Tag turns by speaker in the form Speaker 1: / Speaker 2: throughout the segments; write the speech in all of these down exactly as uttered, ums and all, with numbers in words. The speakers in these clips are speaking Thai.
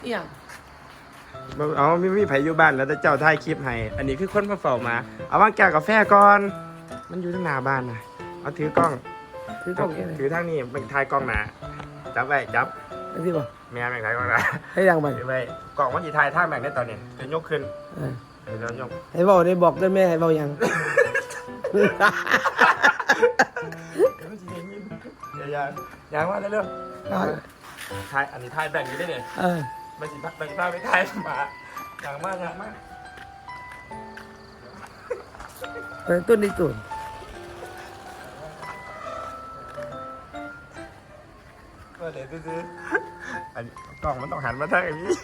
Speaker 1: เอี่ยง
Speaker 2: เอาไม่มีไผอยู่บ้านแล้วแต่เจ้าถ่ายคลิปให้อันนี้คือคนมาเฝ้ามาเอาวางแก้วกาแฟก่อนมันอยู่ที่หน้าบ้านนะเอาถือกล้อง
Speaker 1: ถือกล้องแค่ไหน
Speaker 2: ถือทางนี้มันถ่ายกล้องหนาจับไว้จับ
Speaker 1: ไอ้ที่บอก
Speaker 2: แม่แม่งถ่ายกล้องหนา
Speaker 1: ให้ดังไป
Speaker 2: ถือไว้กล้องมันจะถ่ายทางแบ่งได้ตอนนี้จะยกขึ้น
Speaker 1: เออ
Speaker 2: เดี๋ยวยก
Speaker 1: ให้บอกได้บอกได้แม่ให้บอกยัง
Speaker 2: เดี๋ยวอย่าอย่าว่าเร็วๆถ่ายอันนี้ถ่ายแบ่งนี้ได้เนี่ย
Speaker 1: เออ
Speaker 2: มันสิมันสิพาไปถ่ายหมาอย่างมากอย่างมาก
Speaker 1: เออต้นนี้ต้น
Speaker 2: ก็เดี๋ยวซื้ออันนี้กล่องมันต้องหันมาทางอย่างนี้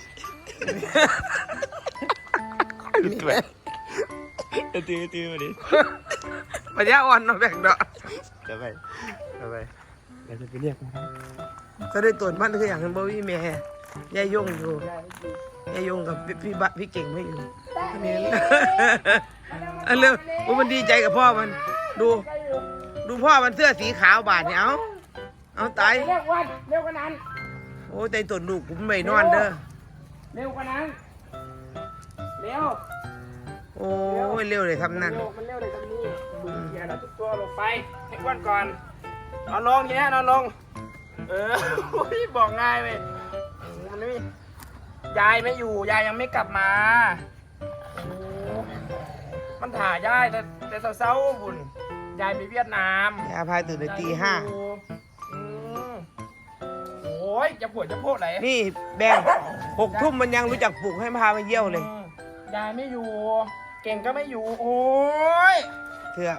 Speaker 2: ตื่นตื่นตื่นมาดิ
Speaker 1: ปัญญาอ่อนเนาะแบ่งเนาะ
Speaker 2: เดี๋ยวไปเดี๋ยวไป
Speaker 1: เดี๋ยวจะไปเรียกมันก็ได้ต้นมันคืออย่างนั้นบ่มีแม่ยายยงอยู่ยายยงกับพี่บะพี่เก่งไม่อยู่อันนี้อันเร็วโอ้มันดีใจกับพ่อมันดู ดูพ่อมันเสื้อสีขาวบาดเนี่ยเอาเอาตาย
Speaker 3: เร็วกว่าเร็วกว่านั้น
Speaker 1: โอ้ใจต้นลูกผมไม่นอนเด้อ
Speaker 3: เร็วกว่านั้นเร็ว
Speaker 1: โอ้ยเร็วเลยทำนั่น
Speaker 3: เร็วมันเร็วเลยตรงนี้ดูเกียร์แล้วทุกตัวลงไปให้อ้วนก่อนนอนลงแย่นอนลงเออโอ้ยบอกง่ายเลยมันไม่มียายไม่อยู่ยายยังไม่กลับมาโอ้มันถ่ายยายแต่แต่เศร้าๆบุญยายไปเวียดนาม
Speaker 1: ยาพายตื่นในตีห้า
Speaker 3: อืมโอ้ยจะปวดจะโพดอะไร
Speaker 1: นี่แบงหกทุ่มมันยังรู้จักปลุกให้พามาเยี่ยวเลย
Speaker 3: อืมยายไม่อยู่ เก่งก็ไม่อยู่ โอ้ย
Speaker 1: เถื่อ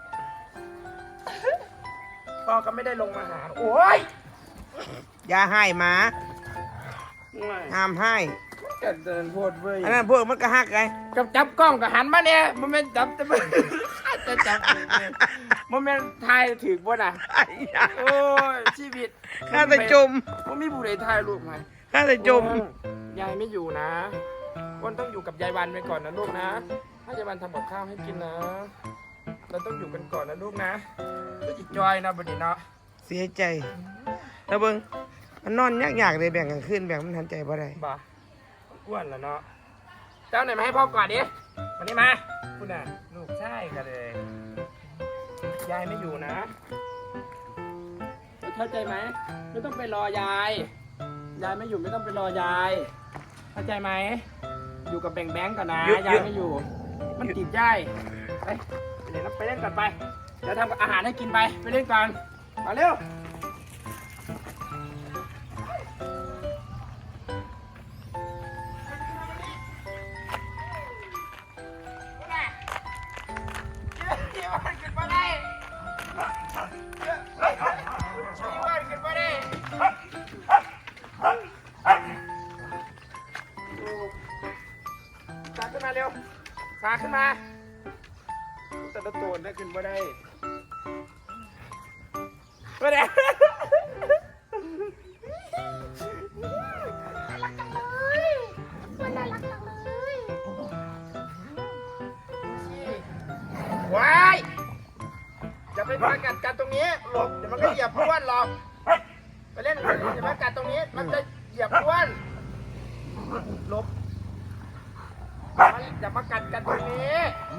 Speaker 3: พ่อก็ไม่ได้ลงมาหา โอ้ย
Speaker 1: ยาให้หมาห้ามให้
Speaker 3: จะเดินโพดเว้ย
Speaker 1: อันนั้นพวกมันก็ฮักไง
Speaker 3: กับจับกล้องกับหันมาเนี่ยมันเป็นจับจะมันจะจับมันเป็นทายถือบ่น่ะโอ้ยชีวิต
Speaker 1: ข้าแต่จม
Speaker 3: ว่ามีผู้ใดทายลูกไหม
Speaker 1: ข้าแต่จม
Speaker 3: ยายไม่อยู่นะวันต้องอยู่กับยายวันไปก่อนนะลูกนะให้ยายวันทำกับข้าวให้กินนะ เราต้องอยู่กันก่อนนะลูกนะก็จิตจอยนะบัดนี้เนาะ
Speaker 1: เสียใจแล้วเบิ้งมันนอนยากๆเลยแบ่งกันขึ้นแบ่งมันทันใจบ่ได้
Speaker 3: บ่าอ้วนแล้วเนาะเจ้าไหนมาให้พ่อก่อนดิวันนี้มาคุณน่ะลูกใช่กันเลยยายไม่อยู่นะเข้าใจไหมไม่ต้องไปรอยาย ยายไม่อยู่ไม่ต้องไปรอยายเข้าใจไหมอยู่กับแบงแบงก่อนนะยายไม่อยู่ มันติดยายไปไปเล่นไปเล่นก่อนไปเดี๋ยวทำอาหารให้กินไปไปเล่นก่อนมาเร็วสาขึ้นมาเร็วสาขึ้นมาแต่ละตัวได้ขึ้นมาได้มาเด้ว้ายจะไปพากัดกันตรงนี้หลบเดี๋ยวมันก็เหยียบพ้วนหรอกไปเล่นอย่ามากัดตรงนี้มันจะเหยียบพ้วนหลบอย่ามากัดกันตรงนี้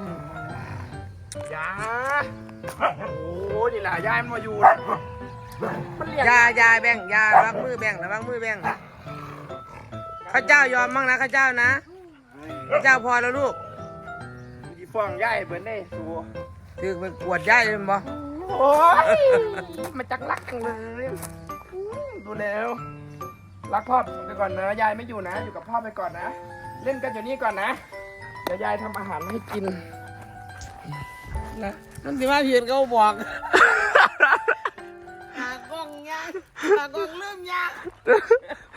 Speaker 3: อย่าโอ้นี่แหละยายมันมาอยู่มันเรียก
Speaker 1: ยายาแบ่งยาระวังมือแบ่งระวังมือแบ่งข้าเจ้ายอมมั่งนะข้าเจ้านะข้าเจ้าพอแล้วลูก
Speaker 3: ดีฟ้องยายเบิร์นได้สู
Speaker 1: ถือเป็นปวดยายเลยบ่
Speaker 3: โอ้ยมันจักรักจังเลยดูแล้วรักพ่อไปก่อนนะยายไม่อยู่นะอยู่กับพ่อไปก่อนนะเล่นกันอยู่นี่ก่อนนะเดี๋ยวยายทำอาหารให้กินนะ
Speaker 1: นั่นสิว่าเพียนเขาบอกหากล้องยากหากล้องเริ่มยาก